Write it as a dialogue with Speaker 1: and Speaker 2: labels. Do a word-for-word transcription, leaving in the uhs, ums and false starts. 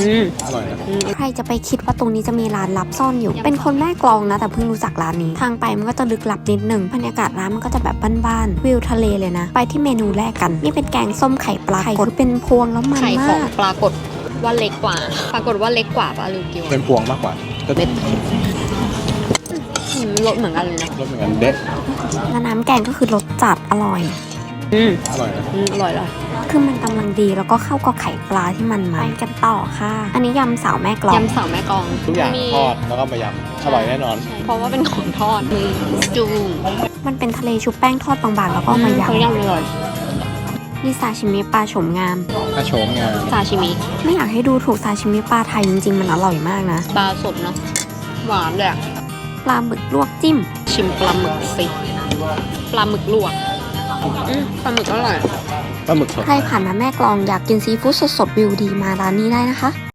Speaker 1: ม
Speaker 2: อร่อยนะ
Speaker 3: ใครจะไปคิดว่าตรงนี้จะมีร้านลับซ่อนอยู่เป็นคนแม่กลองนะแต่เพิ่งรู้จักร้านนี้ทางไปมันก็จะลึกลับนิดหนึ่งบรรยากาศร้านมันก็จะแบบบ้านๆวิวทะเลเลยนะไปที่เมนูแรกกันนี่เป็นแกงส้มไข่ปลาคือเป็นพวงแล้วมัน
Speaker 1: ไข่ข
Speaker 3: มา
Speaker 1: อง
Speaker 3: ก
Speaker 1: ปรากฏว่าเล็กกว่า ปรากฏว่าเล็กกว่าปลาลิวกิว
Speaker 2: เป็นพวงมากกว่าก็
Speaker 1: เม็ดรสเหมือนกันเลยนะ
Speaker 2: รสเหมือนกันเด็ด
Speaker 3: แล้วน้ำแกงก็คือรสจัดอร่อย
Speaker 1: อืม
Speaker 2: อร่อยนะ
Speaker 1: อืมอร่อยเลย
Speaker 3: คือมันกำลังดีแล้วก็เข้ากับไข่ปลาที่มันมาไปกันต่อค่ะ อันนี้ยำสาวแม่กลอง
Speaker 1: ยำสาวแม่กลอง
Speaker 2: ทุกอย่าง
Speaker 1: มี
Speaker 2: ทอดแล้วก็มายำอร่อยแน่นอน
Speaker 1: เพราะว่าเป็นของทอดมีจู
Speaker 3: มันเป็นทะเลชุบแป้งทอดบางๆแล้วก็มาย
Speaker 1: เขายำอร่อย
Speaker 3: ำนี่ซาชิมิปลาโฉมงาม
Speaker 2: ถ้าโฉมงาน
Speaker 1: ซาชิมิ
Speaker 3: ไม่อยากให้ดูถูกซาชิมิปลาไทยจริงๆมันอร่อยมากนะ
Speaker 1: ปลาสดเนาะหวานเลยอะ
Speaker 3: ปลาหมึกลวกจิ้ม
Speaker 1: ชิมปลาหมึกสิปลาหมึกลวกอืมปลาหมึกอร่อย
Speaker 2: ปลาหมึกสด
Speaker 3: ใครผ่านมาแม่กลองอยากกินซีฟู้ดสดๆวิวดีมาร้านนี้ได้นะคะ